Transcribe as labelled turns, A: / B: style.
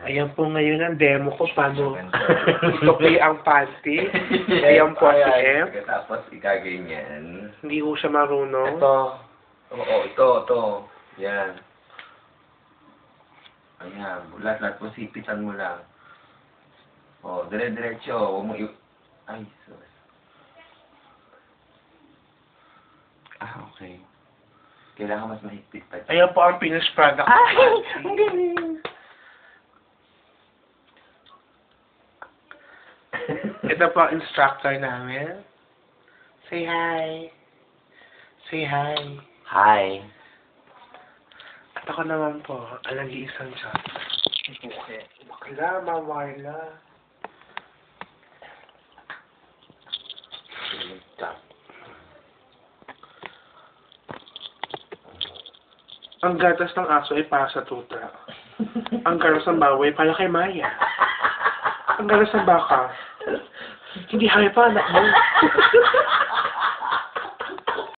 A: Ayan po ngayon ang demo ko paano itupi ang panty. Ayan po si F.
B: Tapos ikaganyan.
A: Hindi ko siya marunong.
B: Ito. Oo, ito. Yan. Ayan. Lahat po sipitan mo lang. O, dire-diretso. Huwag mo ay, sorry. Okay. Kailangan mas mahigpit pa.
A: Ayan po ang finished product.
B: Ay! Ang galing!
A: Ito po ang instructor namin. Say hi. Say hi.
B: Hi.
A: At ako naman po, ang nag-iisang siya.
B: Okay.
A: Bakla, Marla. Ang gatas ng aso ay para sa tuta. Ang gatas ng baboy para kay Maya. Ang gatas ng baka, hindi hayop pa anak mo.